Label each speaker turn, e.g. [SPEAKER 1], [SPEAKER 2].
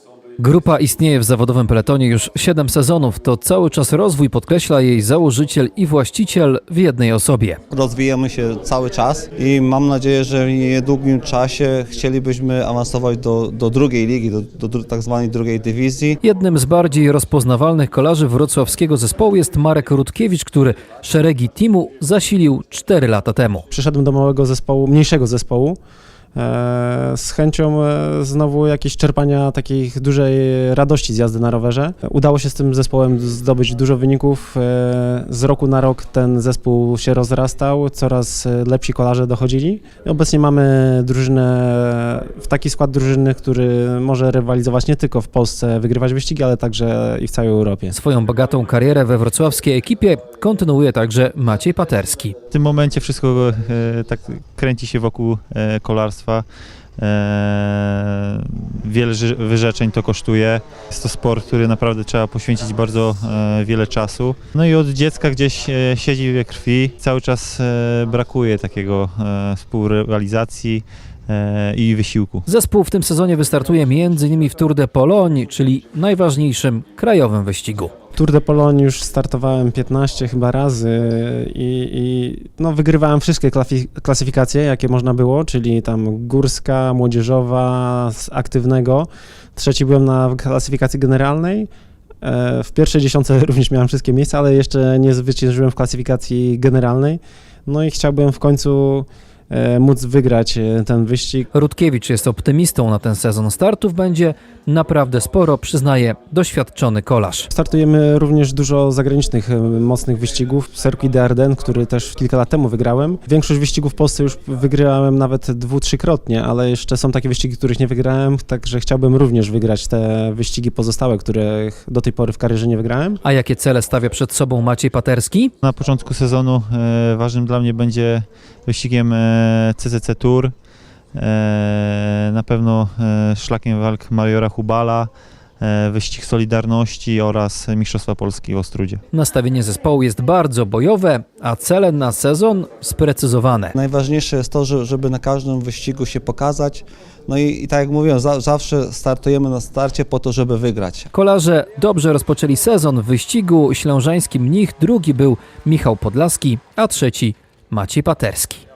[SPEAKER 1] Grupa istnieje w zawodowym peletonie już 7 sezonów. To cały czas rozwój, podkreśla jej założyciel i właściciel w jednej osobie.
[SPEAKER 2] Rozwijamy się cały czas i mam nadzieję, że w niedługim czasie chcielibyśmy awansować do drugiej ligi, do tak zwanej drugiej dywizji.
[SPEAKER 1] Jednym z bardziej rozpoznawalnych kolarzy wrocławskiego zespołu jest Marek Rutkiewicz, który szeregi teamu zasilił 4 lata temu.
[SPEAKER 3] Przyszedłem do małego zespołu, mniejszego zespołu, z chęcią znowu jakieś czerpania takiej dużej radości z jazdy na rowerze. Udało się z tym zespołem zdobyć dużo wyników. Z roku na rok ten zespół się rozrastał, coraz lepsi kolarze dochodzili. Obecnie mamy drużynę, taki skład drużyny, który może rywalizować nie tylko w Polsce, wygrywać wyścigi, ale także i w całej Europie.
[SPEAKER 1] Swoją bogatą karierę we wrocławskiej ekipie kontynuuje także Maciej Paterski.
[SPEAKER 4] W tym momencie wszystko tak kręci się wokół kolarstwa. Wiele wyrzeczeń to kosztuje. Jest to sport, który naprawdę trzeba poświęcić bardzo wiele czasu. No i od dziecka gdzieś siedzi we krwi. Cały czas brakuje takiego współrealizacji i wysiłku.
[SPEAKER 1] Zespół w tym sezonie wystartuje m.in. w Tour de Pologne, czyli najważniejszym krajowym wyścigu.
[SPEAKER 3] Tour de Pologne już startowałem 15 chyba razy i wygrywałem wszystkie klasyfikacje, jakie można było, czyli tam górska, młodzieżowa, z aktywnego. Trzeci byłem na klasyfikacji generalnej. W pierwszej dziesiątce również miałem wszystkie miejsca, ale jeszcze nie zwyciężyłem w klasyfikacji generalnej. No i chciałbym w końcu móc wygrać ten wyścig.
[SPEAKER 1] Rutkiewicz jest optymistą na ten sezon. Startów będzie naprawdę sporo, przyznaje doświadczony kolarz.
[SPEAKER 3] Startujemy również dużo zagranicznych, mocnych wyścigów. Circuit des Ardennes, który też kilka lat temu wygrałem. Większość wyścigów w Polsce już wygrałem nawet 2-3-krotnie, ale jeszcze są takie wyścigi, których nie wygrałem, także chciałbym również wygrać te wyścigi pozostałe, których do tej pory w karierze nie wygrałem.
[SPEAKER 1] A jakie cele stawia przed sobą Maciej Paterski?
[SPEAKER 4] Na początku sezonu ważnym dla mnie będzie wyścigiem CCC Tour, na pewno szlakiem walk Majora Hubala, wyścig Solidarności oraz Mistrzostwa Polski w Ostródzie.
[SPEAKER 1] Nastawienie zespołu jest bardzo bojowe, a cele na sezon sprecyzowane.
[SPEAKER 2] Najważniejsze jest to, żeby na każdym wyścigu się pokazać. No i tak jak mówiłem, zawsze startujemy na starcie po to, żeby wygrać.
[SPEAKER 1] Kolarze dobrze rozpoczęli sezon w wyścigu ślążańskim. Drugi był Michał Podlaski, a trzeci Maciej Paterski.